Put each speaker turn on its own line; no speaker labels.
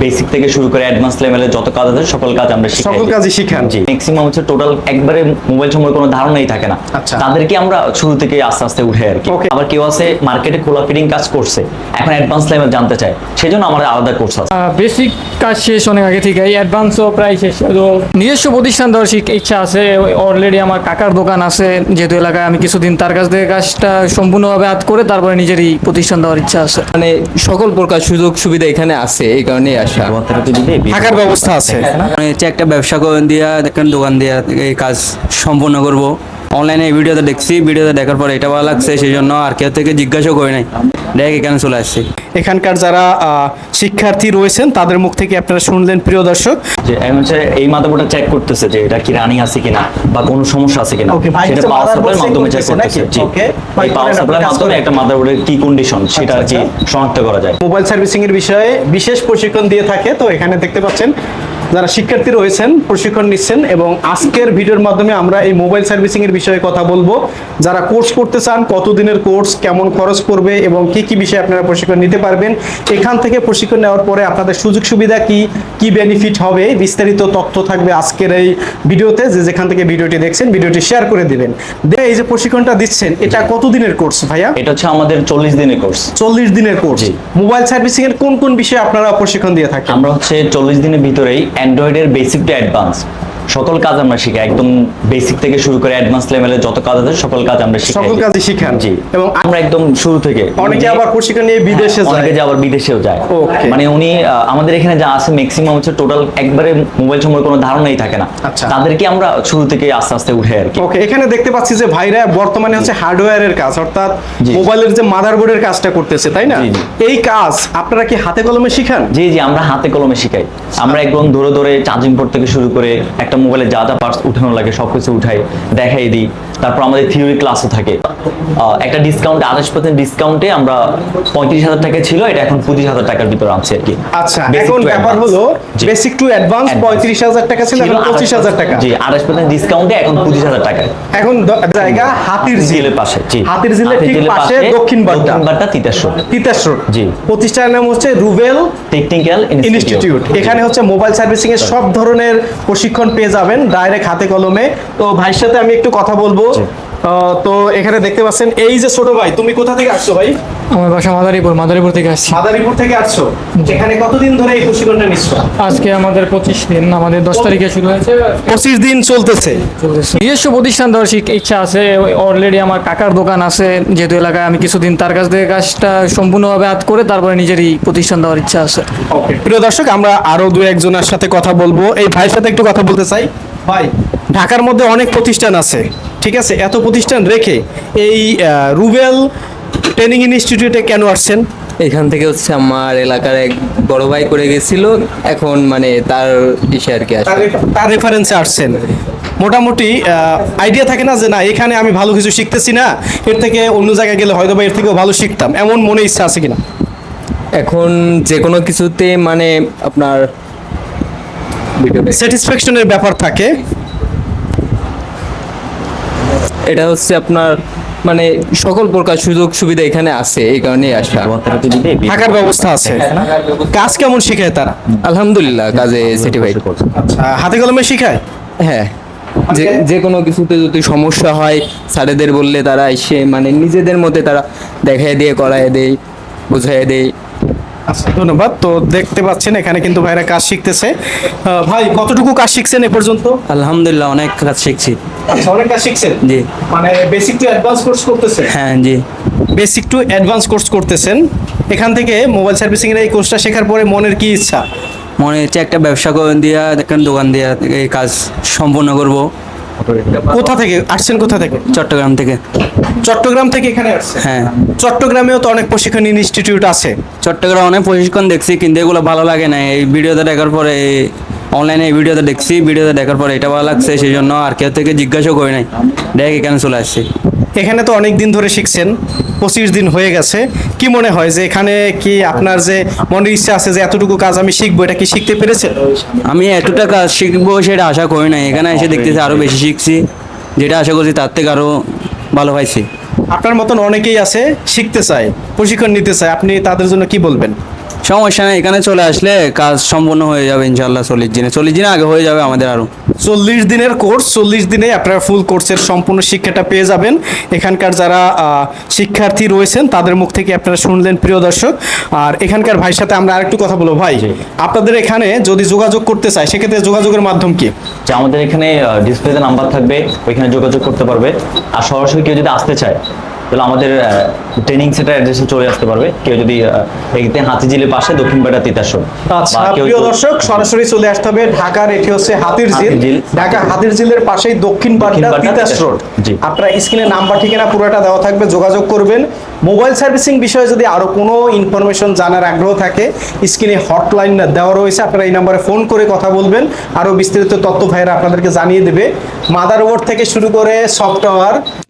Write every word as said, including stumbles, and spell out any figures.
Basic থেকে শুরু করে অ্যাডভান্স লেভেলের যত কাজ আছে সকল কাজ আমরা শিখাই।
সকল কাজই শিখান?
জি, ম্যাক্সিমাম হচ্ছে টোটাল একবারে মোবাইল সম্পর্কে কোনো ধারণাই থাকে না,
আচ্ছা।
তাদেরকে আমরা শুরু থেকে আস্তে আস্তে উঠে আর কি।
Okay.
আবার কেউ আছে মার্কেটে খোলা ফিটিং কাজ করছে, এখন অ্যাডভান্স লেভেল জানতে চায়, সেজন্য আমাদের আলাদা কোর্স আছে।
বেসিক কাজ শেষ অনেক আগে থেকে, অ্যাডভান্সও প্রায় শেষ। তো নিজস্ব প্রতিষ্ঠান দেওয়ার শিখ- ইচ্ছা আছে। অলরেডি আমার কাকার দোকান আছে যেহেতু এলাকায়, আমি কিছুদিন তার কাছ থেকে কাজটা সম্পূর্ণভাবে হাত করে তারপরে নিজেরই প্রতিষ্ঠান দেওয়ার ইচ্ছা আছে।
মানে সকল প্রকার সুযোগ সুবিধা এখানে আছে, এই কারণেই আসা।
থাকার ব্যবস্থা আছে?
মানে হচ্ছে একটা ব্যবসা করে দিয়া দেখেন, দোকান দিয়া এই কাজ সম্পূর্ণ করব। অনলাইনে এই ভিডিওতে দেখছি, ভিডিওতে দেখার পর এটা ভালো লাগছে, সেই জন্য আর কেউ থেকে জিজ্ঞাসাও করি নাই, দেখ এখানে চলে আসছি।
এখানকার যারা আহ, শিক্ষার্থী রয়েছেন তাদের মুখ থেকে আপনারা শুনলেন প্রিয় দর্শক।
যে আমি হচ্ছে এই মাদারবোর্ডটা চেক করতেছে যে এটা কি রানিং আছে কিনা বা কোনো সমস্যা আছে কিনা,
Okay, ভাই
সেটা
হচ্ছে
পাওয়ার
motherboard
সাপ্লাইয়ের
check
মাধ্যমে চেক
করতেছে
করতেছে।
নাকি?
জি,
Okay,
এই পাওয়ার
করেন,
সাপ্লাইয়ের
আপনি কাজ
মাধ্যমে
করেন।
একটা মাদারবোর্ডের কি কন্ডিশন সেটা আর কি
আচ্ছা,
শনাক্ত করা যায়।
মোবাইল সার্ভিসিং এর বিষয়ে বিশেষ প্রশিক্ষণ দিয়ে থাকে। তো এখানে দেখতে পাচ্ছেন যারা শিক্ষার্থী রয়েছেন প্রশিক্ষণ নিচ্ছেন, এবং আজকের ভিডিওর মাধ্যমে আমরা এই মোবাইল সার্ভিসিং এর বিষয়ে কথা বলবো। যারা কোর্স করতে চান, কতদিনের কোর্স, কেমন খরচ পড়বে এবং কি কি বিষয়ে আপনারা প্রশিক্ষণ নিতে পারবেন, এখান থেকে প্রশিক্ষণ নেওয়ার পরে আপনাদের সুযোগ সুবিধা কি কি বেনিফিট হবে, বিস্তারিত তথ্য থাকবে আজকের এই ভিডিওতে। যে যেখান থেকে ভিডিওটি দেখছেন ভিডিওটি শেয়ার করে দিবেন। দেখে এই যে প্রশিক্ষণটা দিচ্ছেন, এটা কতদিনের কোর্স ভাইয়া?
এটা হচ্ছে আমাদের চল্লিশ দিনের কোর্স।
চল্লিশ দিনের কোর্স।
জি।
মোবাইল সার্ভিসিং এর কোন কোন বিষয়ে আপনারা প্রশিক্ষণ দিয়ে থাকেন?
আমরা হচ্ছে চল্লিশ দিনের ভিতরেই অ্যান্ড্রয়েডের বেসিক টু অ্যাডভান্স সকল কাজ আমরা শিখাই, একদম বেসিক থেকে শুরু করে অ্যাডভান্স লেভেলের যত কাজ আছে সকল কাজ আমরা শিখাই।
সকল কাজই শিখান?
জি,
এবং
আমরা একদম শুরু থেকে।
অনেকে আবার প্রশিক্ষণ নিয়ে বিদেশে
হ্যাঁ,
যায়।
অনেকে যে আবার বিদেশেও যায়।
Okay.
মানে উনি আহ, আমাদের এখানে যা আছে ম্যাক্সিমাম হচ্ছে টোটাল একবারে মোবাইল সম্পর্কে কোনো ধারণাই থাকে না,
আচ্ছা।
তাদেরকে আমরা শুরু থেকে আস্তে আস্তে উঠে আর কি।
ওকে, এখানে দেখতে পাচ্ছি যে ভাইরা বর্তমানে হচ্ছে হার্ডওয়্যারের কাজ, অর্থাৎ
জি।
মোবাইলের যে মাদারবোর্ডের কাজটা করতেছে, তাই না?
জি, জি।
এই কাজ আপনারা কি হাতে কলমে শিখান?
জি জি, আমরা হাতে কলমে শিখাই। আমরা একদম ধরে ধরে চার্জিং পোর্ট থেকে শুরু করে একটা মোবাইলে যা যা পার্টস উঠানো লাগে সবকিছু উঠাই দেখাই দিই। তারপর আমাদের থিওরি ক্লাসও থাকে। আহ, একটা ডিসকাউন্ট আঠাশ পার্সেন্ট ডিসকাউন্টে আমরা পঁয়ত্রিশ হাজার টাকা ছিল, এটা এখন পঁচিশ হাজার টাকার ভিতরে আনছি আর কি।
আচ্ছা,
Basic
এখন
to
ব্যাপার
advance।
হলো
জি।
Basic to advance
Advance।
পঁয়ত্রিশ হাজার টাকা ছিল, এখন পঁচিশ হাজার টাকা।
জি, আঠাশ পার্সেন্ট ডিসকাউন্টে এখন পঁচিশ হাজার টাকা।
এখন দ- জায়গা হাতির ঝিল
ঝিলের পাশে। জি,
হাতির ঝিলের ঠিক পাশে দক্ষিণ বাড্ডা।
দক্ষিণ বাড্ডা তিতাস রোড।
তিতাস রোড।
জি।
প্রতিষ্ঠানের নাম হচ্ছে রুবেল
টেকনিক্যাল
ইনস্টিটিউট। এখানে হচ্ছে মোবাইল সার্ভিসিং এর সব ধরনের প্রশিক্ষণ পেয়ে যাবেন ডাইরেক্ট হাতে কলমে। তো ভাইয়ের সাথে আমি একটু কথা বলবো। আহ, তো এখানে দেখতে পাচ্ছেন এই যে ছোট ভাই, তুমি কোথা থেকে আসছো ভাই?
আমার বাসা মাদারীপুর, মাদারীপুর থেকে আসছি।
মাদারীপুর থেকে আসছো। এখানে কতদিন ধরে এই প্রশিক্ষণটা নিচ্ছ?
আজকে আমাদের পঁচিশ দিন, আমাদের দশ তারিখে শুরু হয়েছে।
পঁচিশ দিন চলতেছে।
চলতেছে। নিজস্ব প্রতিষ্ঠান দেওয়ার শিখ- ইচ্ছা আছে। অলরেডি আমার কাকার দোকান আছে যেহেতু এলাকায়, আমি কিছুদিন তার কাছ থেকে কাজটা সম্পূর্ণভাবে হাত করে তারপরে নিজেরই প্রতিষ্ঠান দেওয়ার ইচ্ছা আছে।
ওকে, প্রিয় দর্শক, আমরা আরো দু একজনের সাথে কথা বলবো। এই ভাইয়ের সাথে একটু কথা বলতে চাই। ভাই, ঢাকার মধ্যে অনেক প্রতিষ্ঠান আছে, ঠিক আছে, এত প্রতিষ্ঠান রেখে এই আহ, রুবেল ট্রেনিং ইনস্টিটিউটে কেন আসছেন?
এখান থেকে হচ্ছে আমার এলাকার এক বড় ভাই করে গেছিল, এখন মানে তার ইসে আর কি আসে।
তার রেফ- তার রেফারেন্সে আসছেন। মোটামুটি আইডিয়া থাকে না যে না এখানে আমি ভালো কিছু শিখতেছি না, এর থেকে অন্য জায়গায় গেলে হয়তো বা এর থেকেও ভালো শিখতাম, এমন মনে ইচ্ছা আছে কিনা?
এখন যে কোনো কিছুতে মানে আপনার
স্যাটিসফ্যাকশনের ব্যাপার থাকে।
এটা হচ্ছে আপনার মানে সকল প্রকার সুযোগ সুবিধা এখানে আছে, এই কারণেই আসা।
থাকার ব্যবস্থা আছে? কাজ কেমন শিখায় তারা?
আলহামদুলিল্লাহ, কাজে সার্টিফাইড।
আহ, হাতে কলমে শিখায়?
হ্যাঁ, যে যে কোনো কিছুতে যদি সমস্যা হয় স্যারেদের বললে তারা এসে মানে নিজেদের মধ্যে তারা দেখায় দিয়ে করায় দেয়, বুঝাই দেয়।
আচ্ছা, ধন্যবাদ। তো দেখতে পাচ্ছেন এখানে কিন্তু ভাইরা কাজ শিখতেছে। আহ, ভাই, কতটুকু কাজ শিখছেন এ পর্যন্ত?
আলহামদুলিল্লাহ, অনেক কাজ শিখছি।
আচ্ছা, অনেক কাজ শিখছেন।
জি।
মানে বেসিক টু অ্যাডভান্স কোর্স করতেছেন?
হ্যাঁ জি।
বেসিক টু অ্যাডভান্স কোর্স করতেছেন। এখান থেকে মোবাইল সার্ভিসিং এর এই কোর্সটা শেখার পরে মনের কি ইচ্ছা?
মনে হচ্ছে একটা ব্যবসা করে দিয়া দেখেন, দোকান দিয়া এই কাজ সম্পূর্ণ করব।
কোথা থেকে আসছেন? কোথা থেকে?
চট্টগ্রাম থেকে।
চট্টগ্রাম থেকে এখানে আসছেন?
হ্যাঁ,
চট্টগ্রামেও তো অনেক প্রশিক্ষণ ইনস্টিটিউট আছে।
চট্টগ্রাম অনেক প্রশিক্ষণ দেখছি, কিন্তু এগুলো ভালো লাগে না। এই ভিডিওতে দেখার পরে, অনলাইনে এই ভিডিওতে দেখছি, ভিডিওতে দেখার পরে এটা ভালো লাগছে, সেই জন্য আর কেউ থেকে জিজ্ঞাসাও করি নাই, দেখ এখানে চলে আসছি।
এখানে তো অনেক দিন ধরে শিখছেন, পঁচিশ দিন হয়ে গেছে। কি মনে হয় যে এখানে কি আপনার যে মনের ইচ্ছা আছে যে এতটুকু কাজ আমি শিখবো, এটা কি শিখতে পেরেছেন?
আমি এতটা কাজ শিখবো সেটা আশা করি নাই, এখানে এসে দেখতেছি আরও বেশি শিখছি, যেটা আশা করছি তার থেকে আরও ভালো পাইছি।
আপনার মতন অনেকেই আছে শিখতে চায়, প্রশিক্ষণ নিতে চায়, আপনি তাদের জন্য কি বলবেন?
সমস্যা নেই, এখানে চলে আসলে কাজ সম্পূর্ণ হয়ে যাবে ইনশাল্লাহ চল্লিশ দিনে চল্লিশ দিনে আগে হয়ে যাবে আমাদের আরও।
চল্লিশ দিনের কোর্স, চল্লিশ দিনে আপনারা ফুল কোর্সের সম্পূর্ণ শিক্ষাটা পেয়ে যাবেন। এখানকার যারা আহ, শিক্ষার্থী রয়েছেন তাদের মুখ থেকে আপনারা শুনলেন প্রিয় দর্শক। আর এখানকার ভাইয়ের সাথে আমরা আরেকটু কথা বলবো। ভাই, আপনাদের এখানে যদি যোগাযোগ করতে চায় সেক্ষেত্রে যোগাযোগের মাধ্যম কি?
যে আমাদের এখানে ডিসপ্লেতে নাম্বার থাকবে, ওইখানে যোগাযোগ করতে পারবে। আর সরাসরি কেউ যদি আসতে চায় তাহলে আমাদের ট্রেনিং সেন্টার অ্যাড্রেসে চলে আসতে পারবে। কেউ যদি আহ, এইতে হাতিঝিলের পাশে দক্ষিণ পাড়া তিতাসর।
আচ্ছা
বা কেউ
প্রিয়
যদি-
দর্শক, সরাসরি চলে আসতে হবে ঢাকার, এটি হচ্ছে হাতির ঝিল,
হাতিরঝিল।
ঢাকা হাতির ঝিলের পাশেই দক্ষিণ পাড্ডা
দক্ষিণ পাড্ডা
তিতাস
তিতাস
রোড।
রোড। জি।
আপনারা স্ক্রিনে নাম্বার ঠিকানা পুরোটা দেওয়া থাকবে, যোগাযোগ করবেন। মোবাইল সার্ভিসিং বিষয়ে যদি আরো কোনো ইনফরমেশন জানার আগ্রহ থাকে স্ক্রিনে হটলাইন দেওয়া রয়েছে, আপনারা এই নাম্বারে ফোন করে কথা বলবেন, আরো বিস্তারিত তথ্য ভাইরা আপনাদেরকে জানিয়ে দেবে। মাদারবোর্ড থেকে শুরু করে সফটওয়্যার